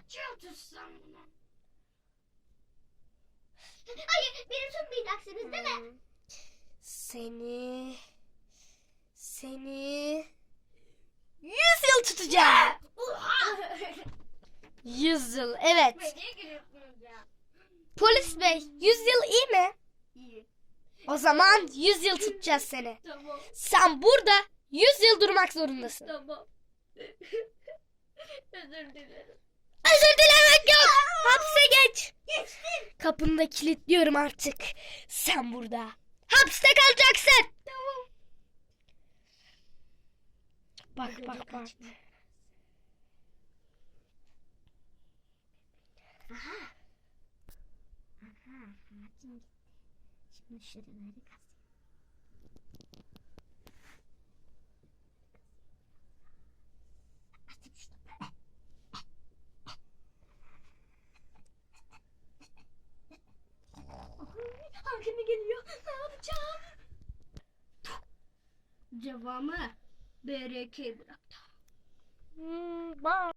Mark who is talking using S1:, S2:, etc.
S1: Kaç yıl tutsam bunu?
S2: Hayır, beni tutmayacaksınız değil mi?
S3: Seni 100 yıl tutacağım.
S1: Oha!
S3: 100 yıl, evet.
S1: Niye gülüyorsunuz ya?
S3: Polis bey, 100 yıl iyi mi?
S1: İyi.
S3: O zaman 100 yıl tutacağız seni.
S1: Tamam.
S3: Sen burada 100 yıl durmak zorundasın.
S1: Tamam. Özür dilerim.
S3: Özür dilemek yok. Hapse geç.
S2: Geçtim.
S3: Kapını da kilitliyorum artık. Sen burada hapiste kalacaksın.
S1: Tamam.
S3: Bak.
S2: Aha. Hakim gitti. Şimdi şuraları kazıyım. Açayım şunu. Hakim geliyor. Ne yapacağım?
S1: Cevamı BRK bıraktı.
S3: Bye.